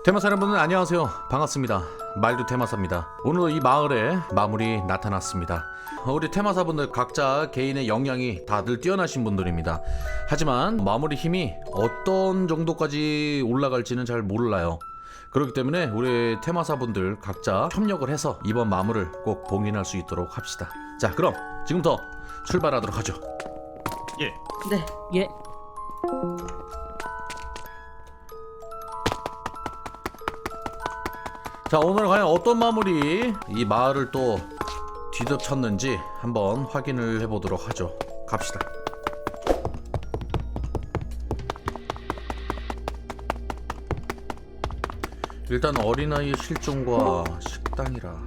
테마사 여러분들 안녕하세요. 반갑습니다. 말도 테마사입니다. 오늘도 이 마을에 마물이 나타났습니다. 우리 테마사분들 각자 개인의 역량이 다들 뛰어나신 분들입니다. 하지만 마물의 힘이 어떤 정도까지 올라갈지는 잘 몰라요. 그렇기 때문에 우리 테마사분들 각자 협력을 해서 이번 마물을 꼭 봉인할 수 있도록 합시다. 자, 그럼 지금부터 출발하도록 하죠. 예. 네. 예. 자, 오늘 과연 어떤 마물이 이 마을을 또 뒤덮쳤는지 한번 확인을 해보도록 하죠. 갑시다. 일단 어린아이의 실종과 식당이라.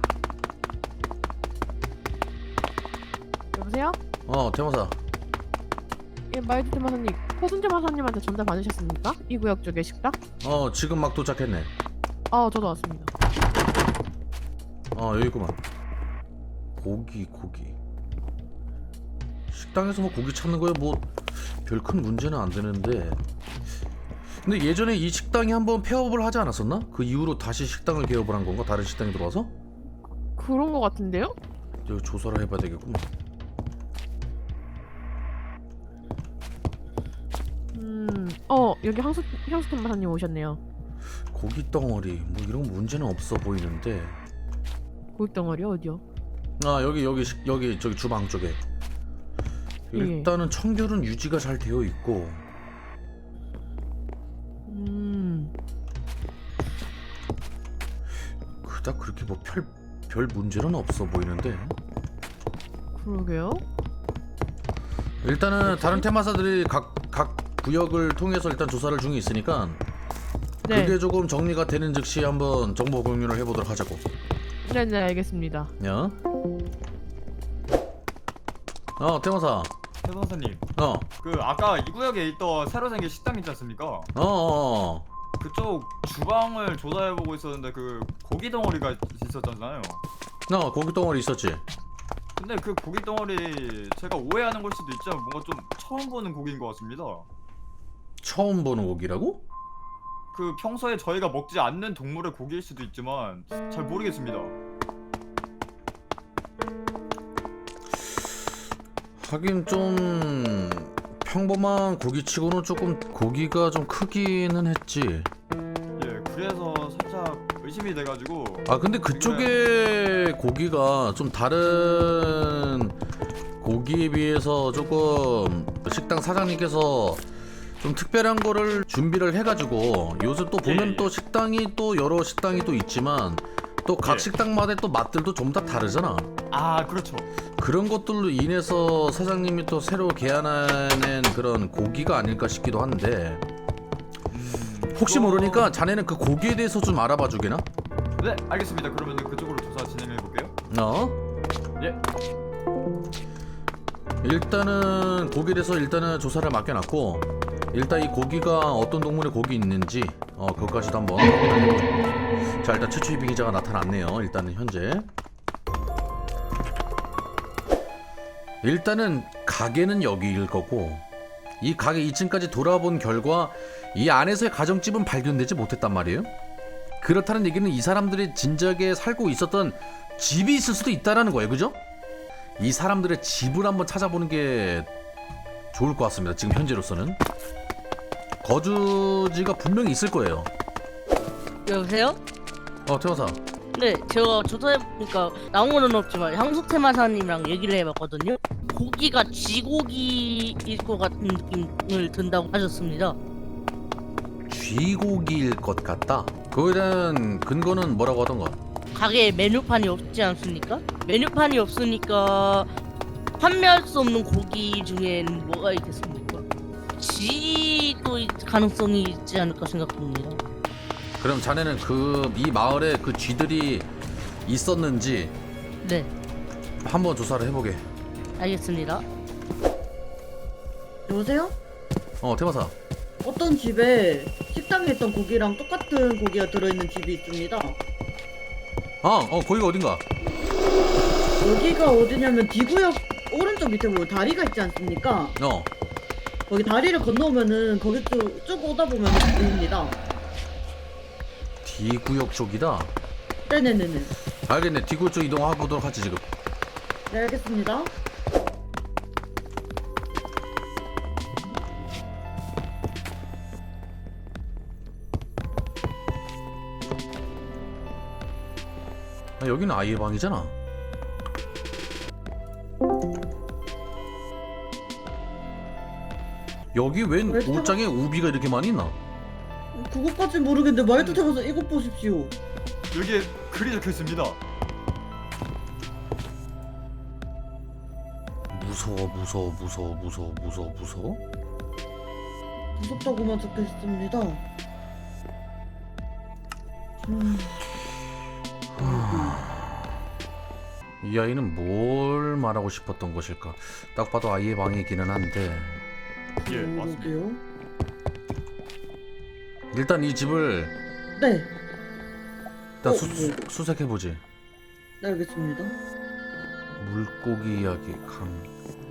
여보세요? 테마사. 예, 마이드 테마사님, 포순재 마사님한테 전달 받으셨습니까? 이 구역 쪽에 식당? 지금 막 도착했네. 저도 왔습니다. 여기 있구만. 고기. 식당에서 뭐 고기 찾는 거에 뭐 별 큰 문제는 안 되는데. 근데 예전에 이 식당이 한번 폐업을 하지 않았었나? 그 이후로 다시 식당을 개업을 한 건가? 다른 식당이 들어와서? 그런 거 같은데요? 이거 조사를 해봐야 되겠구만. 여기 향수 테마사님 오셨네요. 고기 덩어리 뭐 이런 문제는 없어 보이는데. 고기 덩어리 어디요? 여기 저기 주방 쪽에. 일단은 청결은 유지가 잘 되어 있고. 그닥 그렇게 뭐 별 문제는 없어 보이는데. 그러게요. 일단은 다른 테마사들이 각 구역을 통해서 일단 조사를 중에 있으니까 네. 그게 조금 정리가 되는 즉시 한번 정보 공유를 해보도록 하자고. 네, 알겠습니다. 야. 테마사. 최선사님, 어. 그 아까 이 구역에 있던 새로 생긴 식당 있지 않습니까? 그쪽 주방을 조사해보고 있었는데 그 고기 덩어리가 있었잖아요. 고기 덩어리 있었지. 근데 그 고기 덩어리 제가 오해하는 걸 수도 있지만 뭔가 좀 처음 보는 고기인 것 같습니다. 처음 보는 고기라고? 그 평소에 저희가 먹지 않는 동물의 고기일 수도 있지만 잘 모르겠습니다. 하긴 좀 평범한 고기치고는 조금 고기가 좀 크기는 했지. 예, 그래서 살짝 의심이 돼가지고. 근데 그쪽의 고기가 좀 다른 고기에 비해서 조금 식당 사장님께서 좀 특별한 거를 준비를 해가지고 요새 또 보면 예. 또 식당이 또 여러 식당이 또 있지만 또 각 예. 식당마다의 또 맛들도 좀 다 다르잖아. 그렇죠. 그런 것들로 인해서 사장님이 또 새로 개발해낸 그런 고기가 아닐까 싶기도 한데 혹시 모르니까 자네는 그 고기에 대해서 좀 알아봐 주게나? 네, 알겠습니다. 그러면 그쪽으로 조사 진행해볼게요. 예. 일단은 고기에 대해서 일단은 조사를 맡겨놨고 일단 이 고기가 어떤 동물의 고기 있는지 그것까지도 한번 확인해보고. 자, 일단 최초의 비기자가 나타났네요. 일단은 현재 일단은 가게는 여기일 거고 이 가게 2층까지 돌아본 결과 이 안에서의 가정집은 발견되지 못했단 말이에요. 그렇다는 얘기는 이 사람들이 진작에 살고 있었던 집이 있을 수도 있다라는 거예요. 그죠? 이 사람들의 집을 한번 찾아보는 게 좋을 것 같습니다. 지금 현재로서는 거주지가 분명히 있을 거예요. 여보세요? 태화사. 네, 제가 조사해보니까 나온 건 없지만 향수테마사님이랑 얘기를 해봤거든요. 고기가 쥐고기일 것 같은 느낌을 든다고 하셨습니다. 쥐고기일 것 같다. 그거에 대한 근거는 뭐라고 하던가? 가게에 메뉴판이 없지 않습니까? 메뉴판이 없으니까 판매할 수 없는 고기 중엔 뭐가 있겠습니까? 쥐도 가능성이 있지 않을까 생각합니다. 그럼 자네는 이 마을에 그 쥐들이 있었는지 네, 한번 조사를 해보게. 알겠습니다. 여보세요? 태화사. 어떤 집에 식당에 있던 고기랑 똑같은 고기가 들어있는 집이 있습니다. 거기가 어딘가? 여기가 어디냐면 D구역 오른쪽 밑에 보면 다리가 있지 않습니까? 거기 다리를 건너오면은 거기 쭉 오다 보면 보입니다. D구역 쪽이다. 네네네네. 알겠네. D구역 쪽 이동해보도록 하지 지금. 네, 알겠습니다. 아, 여기는 아이의 방이잖아. 여기 웬 왜 옷장에 우비가 이렇게 많이 있나? 그것까진 모르겠는데 말도 타면서 이것 보십시오. 여기에 글이 적혀 있습니다. 무서워. 무섭다고만 적혀 있습니다. 이 아이는 뭘 말하고 싶었던 것일까? 딱 봐도 아이의 방이기는 한데 예, 맞습니다. 그러게요. 일단 이 집을 네, 일단 네. 수색해보지. 네, 알겠습니다. 물고기 이야기 강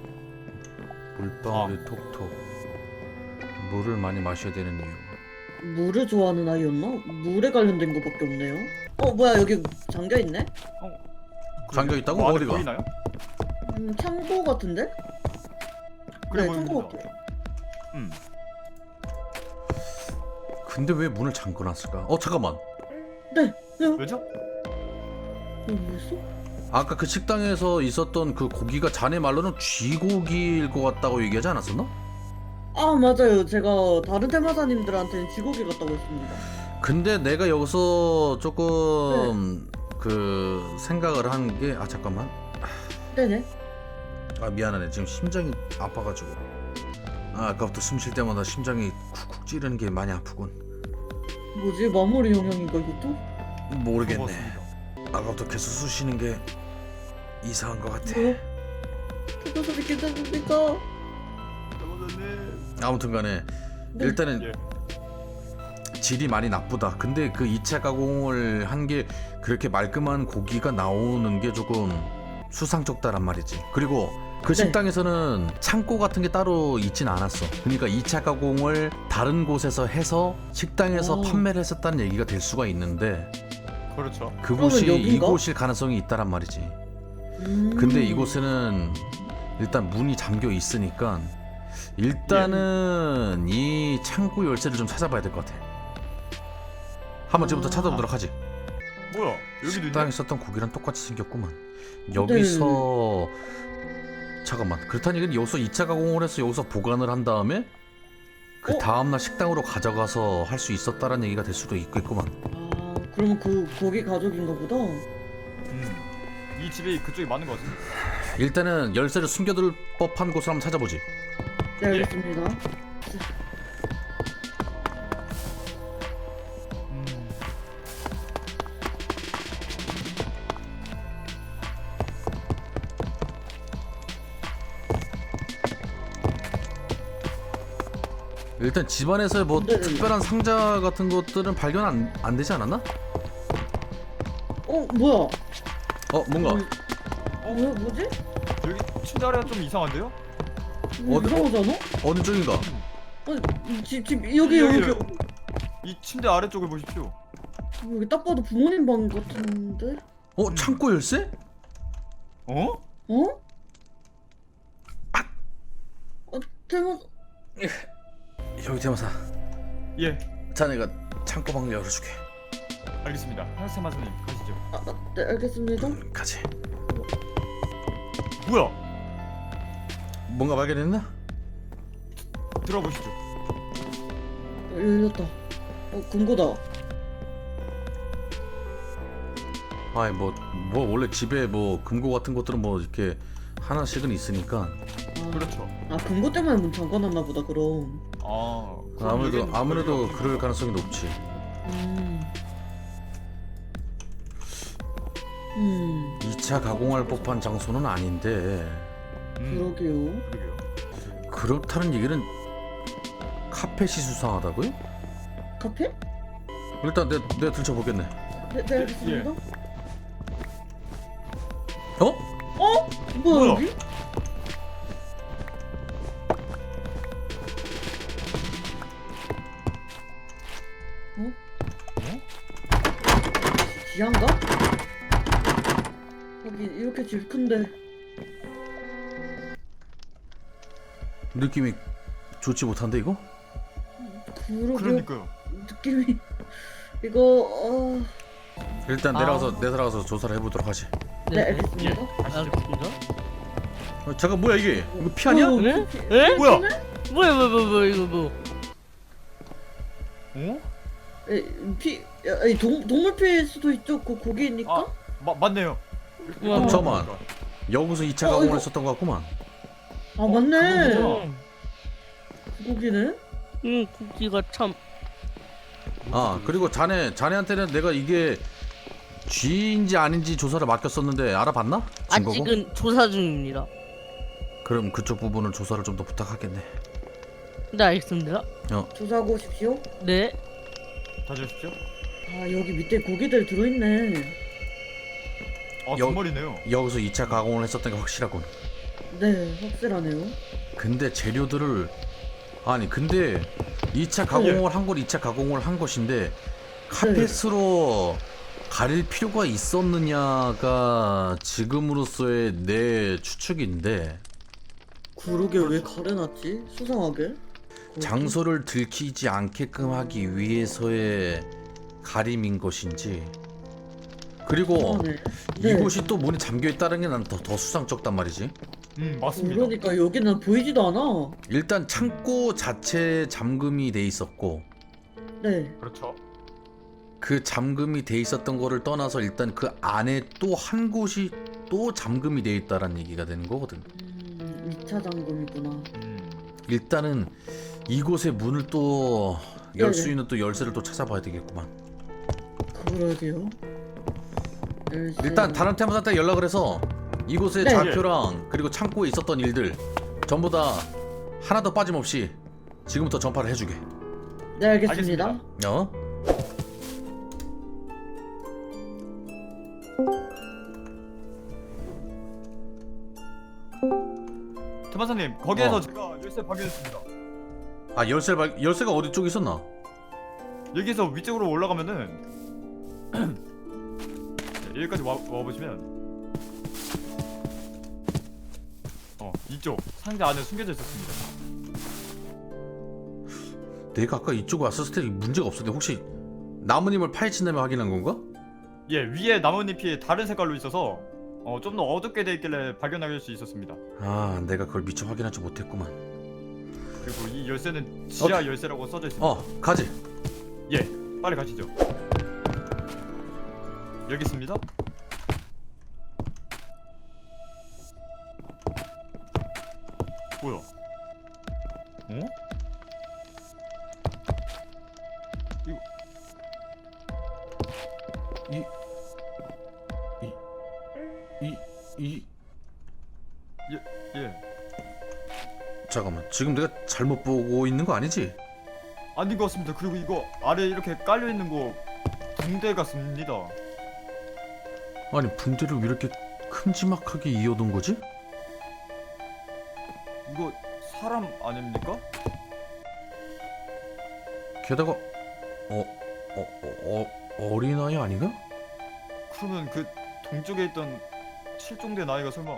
물방울이 톡톡 물을 많이 마셔야 되는 이유. 물을 좋아하는 아이였나? 물에 관련된 것밖에 없네요. 뭐야, 여기 잠겨 있네? 잠겨 있다고? 뭐 안에 어디가? 보이나요? 창고 같은데? 그래 네, 보입니다. 창고 같아요. 근데 왜 문을 잠궈놨을까? 잠깐만. 왜죠? 뭐였어? 아까 그 식당에서 있었던 그 고기가 자네 말로는 쥐고기일 것 같다고 얘기하지 않았었나? 아, 맞아요. 제가 다른 테마사님들한테는 쥐고기 같다고 했습니다. 근데 내가 여기서 조금 네. 그 생각을 한 게 잠깐만. 네네. 아 미안하네. 지금 심장이 아파가지고. 아까부터 숨 쉴 때마다 심장이 쿡쿡 찌르는 게 많이 아프군. 뭐지? 마무리 영향인가 이것도? 모르겠네. 고맙습니다. 아까부터 계속 쑤시는 게 이상한 것 같아. 뭐야? 그것을 괜찮습니까? 여보님. 아무튼간에 네. 일단은 예. 질이 많이 나쁘다. 근데 그 2차 가공을 한 게 그렇게 말끔한 고기가 나오는 게 조금 수상쩍다란 말이지. 그리고 그 네. 식당에서는 창고 같은 게 따로 있진 않았어. 그러니까 2차 가공을 다른 곳에서 해서 식당에서 오. 판매를 했었다는 얘기가 될 수가 있는데 그렇죠. 그곳이 그러면 여긴가? 이곳일 가능성이 있다란 말이지. 근데 이곳에는 일단 문이 잠겨 있으니까 일단은 이 창고 열쇠를 좀 찾아봐야 될 것 같아. 한번 지금부터 찾아보도록 하지. 뭐야? 여기도 식당에 있네. 있었던 고기랑 똑같이 생겼구만. 여기서 잠깐만. 그렇다는 얘기는 여기서 2차 가공을 해서 여기서 보관을 한 다음에 그 다음날 식당으로 가져가서 할 수 있었다라는 얘기가 될 수도 있겠구만. 아, 그러면 그 고기 가족인가 보다. 이 집이 그쪽이 맞는 것 같습니다. 일단은 열쇠를 숨겨둘 법한 곳을 한번 찾아보지. 네, 알겠습니다. 일단 집안에서 뭐 네네네. 특별한 상자 같은 것들은 발견 안 되지 않았나? 뭐야? 뭔가 뭐지? 여기 침대 아래가 좀 이상한데요? 이상하잖아? 어느 쪽인가? 여기. 이 침대 아래쪽을 보십시오. 여기 딱 봐도 부모님 방 같은데? 창고 열쇠? 어? 대박. 여기 대마사. 예. 자네가 창고 방을 열어줄게. 알겠습니다. 한세 마사님 가시죠. 네, 알겠습니다. 가지. 뭐야? 뭔가 발견했나? 들어보시죠. 열렸다. 금고다. 아이 뭐 원래 집에 뭐 금고 같은 것들은 뭐 이렇게 하나씩은 있으니까 그렇죠. 금고 때문에 문 잠궈놨나 보다, 그럼. 그럼 여기는 아무래도 거기가 그럴 가능성이 높지. 2차 가공할 법한 장소는 아닌데 그러게요. 그러게요. 그렇다는 얘기는 카펫이 수상하다고요? 카페? 일단 내가 들춰보겠네. 네, 알겠습니다. 뭐야, 뭐야? 여기? 지하인가? 여기 이렇게 집 큰데. 느낌이 좋지 못한데 이거? 그러게요. 그러니까요. 느낌이 이거 일단 내려가서 조사를 해보도록 하지. 네, 알겠습니다. 가시죠. 알겠습니다. 잠깐 뭐야 이게? 이거 피 아니야? 어, 에? 피- 에? 뭐야? 뭐야 이거 뭐? 어? 동물 피일 수도 있죠. 그 고기니까. 아, 맞네요. 와, 잠깐만. 여기서 2차 어, 가공을 이거- 했었던 것 같구만. 아 맞네. 그거구나. 그 고기네. 고기가 참. 아 그리고 자네한테는 내가 이게 쥐인지 아닌지 조사를 맡겼었는데 알아봤나? 증거고? 아직은 조사 중입니다. 그럼 그쪽 부분은 조사를 좀 더 부탁하겠네. 네, 알겠습니다. 조사하고 오십시오. 네. 다녀오십시오. 아 여기 밑에 고기들 들어있네. 아, 여- 정말이네요. 여기서 2차 가공을 했었던 게 확실하군. 네, 확실하네요. 근데 재료들을 근데 2차 가공을 한 건 2차 가공을 한 것인데 카펫으로 가릴 필요가 있었느냐가 지금으로서의 내 추측인데 그러게 왜 가려놨지? 수상하게. 장소를 들키지 않게끔 하기 위해서의 가림인 것인지 그리고 네. 네. 이곳이 또 문이 잠겨 있다는 게 난 더 수상쩍단 말이지. 맞습니다. 그러니까 여기는 보이지도 않아. 일단 창고 자체 잠금이 돼 있었고 네. 그렇죠. 그 잠금이 돼 있었던 거를 떠나서 일단 그 안에 또 한 곳이 또 잠금이 돼 있다라는 얘기가 되는 거거든. 2차 잠금이구나. 일단은 이곳의 문을 또 열 수 네네. 있는 또 열쇠를 또 찾아봐야 되겠구만. 그러게요. 열쇠. 일단 다른 테마사한테 연락을 해서 이곳의 네. 좌표랑 그리고 창고에 있었던 일들 전부 다 하나도 빠짐없이 지금부터 전파를 해주게. 네, 알겠습니다. 알겠습니다. 어? 테마사님, 거기에서 제가 열쇠 발견했습니다. 아 열쇠가 어디 쪽에 있었나? 여기서 위쪽으로 올라가면은 네, 여기까지 와보시면 이쪽 상자 안에 숨겨져 있었습니다. 내가 아까 이쪽에 왔었을 때 문제가 없었는데 혹시 나무님을 파헤친다며 확인한 건가? 예, 위에 나뭇잎이 다른 색깔로 있어서 좀 더 어둡게 돼 있길래 발견할 수 있었습니다. 아 내가 그걸 미처 확인하지 못했구만. 그리고 이 열쇠는 지하 열쇠라고 써져 있습니다. 가지. 예, 빨리 가시죠. 여기 있습니다. 뭐야? 어? 예. 잠깐만 지금 내가 잘못 보고 있는 거 아니지? 아닌 것 같습니다. 그리고 이거 아래 이렇게 깔려 있는 거 붕대 같습니다. 아니 붕대를 왜 이렇게 큼지막하게 이어둔 거지? 이거 사람 아닙니까? 게다가 어린아이 아닌가? 그러면 그 동쪽에 있던 실종된 아이가 설마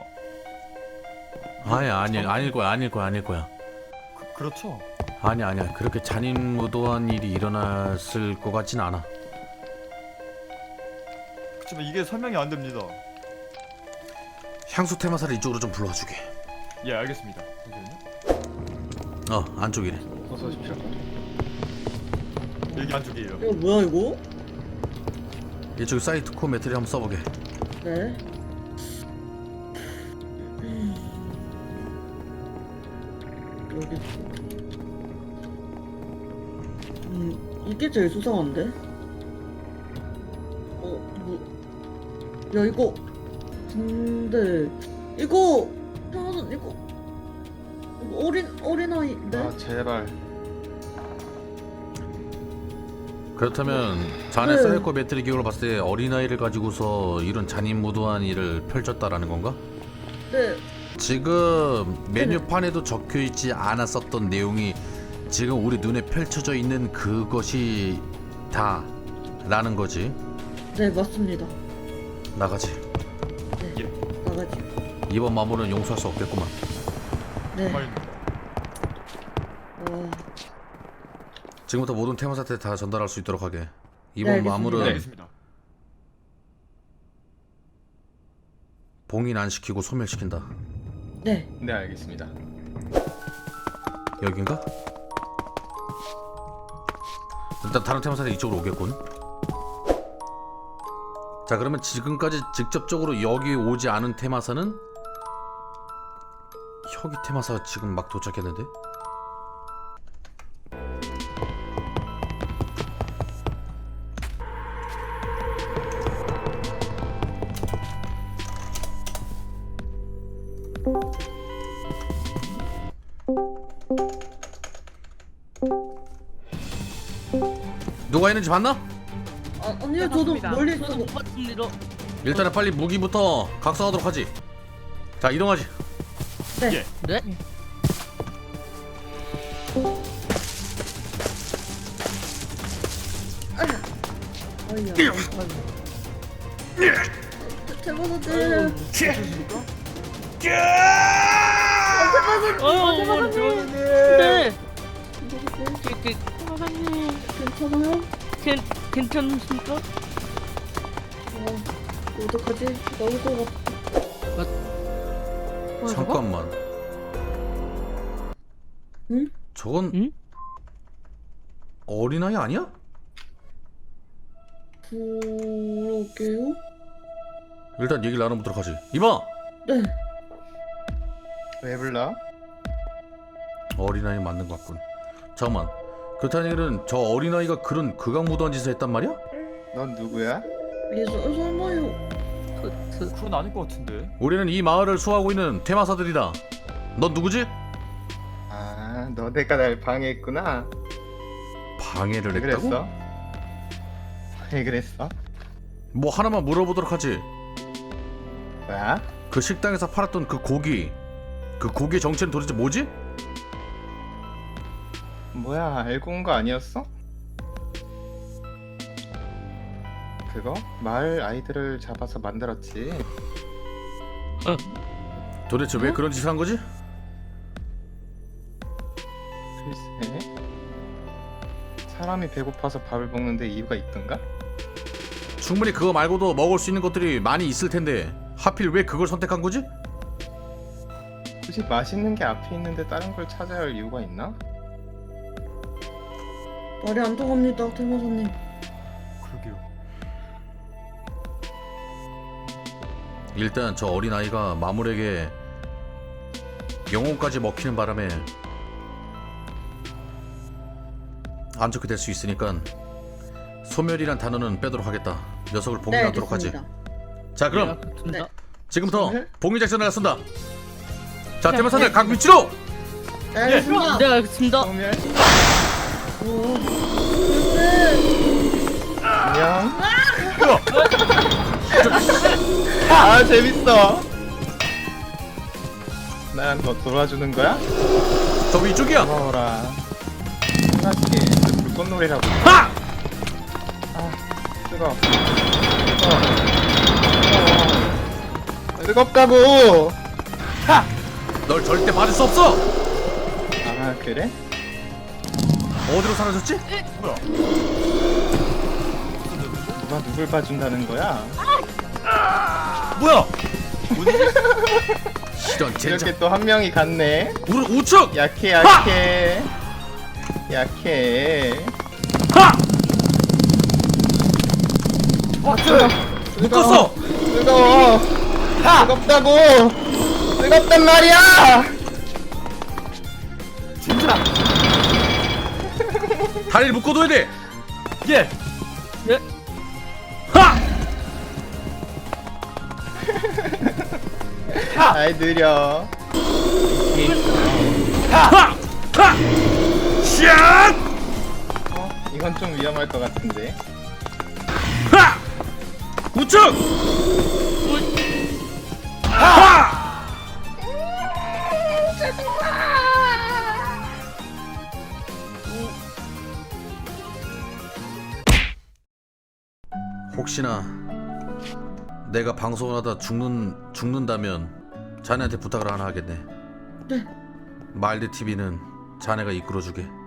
아닐 거야. 그렇죠? 아니야. 그렇게 잔인무도한 일이 일어났을 것 같진 않아. 그렇지만 이게 설명이 안 됩니다. 향수 테마사를 이쪽으로 좀 불러와 주게. 예, 알겠습니다. 잠시만요. 안쪽이네. 어서 오십시오. 여기 안쪽이에요. 이거 뭐야 이거? 이쪽 사이트 코어 매트리 한번 써보게. 네. 여기. 이게 제일 수상한데? 야 이거 근데 이거 어린아이인데? 아 제발. 그렇다면 자네 네. 사이코 매트리 기록을 봤을 때 어린아이를 가지고서 이런 잔인무도한 일을 펼쳤다라는 건가? 네. 지금 메뉴판에도 적혀있지 않았었던 내용이 지금 우리 눈에 펼쳐져 있는 그것이 다라는 거지. 네, 맞습니다. 나가지. 네, 나가지. 이번 마물은 용서할 수 없겠구만. 네. 정말 지금부터 모든 테마사한테 다 전달할 수 있도록 하게. 네, 이번 알겠습니다. 마물은 네, 알겠습니다. 봉인 안 시키고 소멸시킨다. 네. 네, 알겠습니다. 여긴가? 일단 다른 테마사는 이쪽으로 오겠군. 자, 그러면 지금까지 직접적으로 여기 오지 않은 테마사는 혁이 테마사 지금 막 도착했는데? 누가 있는지 봤나? 아니요, 저도 맞습니다. 멀리 저도 있어서. 못 봤습니다. 일단은 빨리 무기부터 각성하도록 하지. 자, 이동하지. 네. 네? 어이야. 대박사들. 어휴, 네. 테마사님. 괜찮아요? 괜찮습니까? 어떡하지? 나올 것 같아. 뭐야, 저거? 잠깐만. 응? 저건 응? 어린아이 아니야? 그러게요? 일단 얘기를 나눠보도록 하지. 이봐! 네. 왜 불러? 어린아이 맞는 것 같군. 잠깐만. 그렇다는 얘기는 저 어린아이가 그런 극악무도한 짓을 했단 말이야? 넌 누구야? 설마요. 그건 아닐 것 같은데. 우리는 이 마을을 수호하고 있는 테마사들이다. 넌 누구지? 아, 너네가 날 방해했구나. 방해를 왜 했다고? 그랬어? 왜 그랬어? 뭐 하나만 물어보도록 하지. 뭐야? 그 식당에서 팔았던 그 고기의 정체는 도대체 뭐지? 뭐야, 알고 온 거 아니었어? 그거? 마을 아이들을 잡아서 만들었지. 도대체 왜 그런 짓을 한 거지? 글쎄. 사람이 배고파서 밥을 먹는데 이유가 있던가? 충분히 그거 말고도 먹을 수 있는 것들이 많이 있을 텐데 하필 왜 그걸 선택한 거지? 굳이 맛있는 게 앞에 있는데 다른 걸 찾아야 할 이유가 있나? 말이 안 통합니다, 대마사님. 그러게요. 일단 저 어린아이가 마물에게 영혼까지 먹히는 바람에 안 좋게 될 수 있으니까 소멸이란 단어는 빼도록 하겠다. 녀석을 봉인하도록 하지. 알겠습니다. 자, 그럼 그렇습니다. 지금부터 소멸? 봉인 작전을 나선다. 자, 테마사들 각 위치로. 네, 알겠습니다. 네, 알겠습니다. 소멸? 오, 안녕. 아, 재밌어. 나랑 너 돌아주는 거야? 저 위쪽이야. 고마워라. 사실 불꽃놀이라고. 하! 아, 뜨거. 뜨겁다고. 널 절대 받을 수 없어. 아, 그래? 어디로 사라졌지? 뭐야? 누가 누굴 봐준다는 거야? 뭐야? 이런 젠장. 이렇게 또 한 명이 갔네. 우리 우측. 약해, 약해. 약해. 하! 뜨거워. 묶었어. 뜨거워. 뜨겁다고. 뜨겁단 말이야. 진짜. 다리를 묶어둬야 돼. 예. 하! 아이 느려. 하! 하! 샷! 이건 좀 위험할 것 같은데. 하! 우측! 하! 혹시나 내가 방송을 하다 죽는다면 자네한테 부탁을 하나 하겠네. 네. 마일드 TV는 자네가 이끌어주게.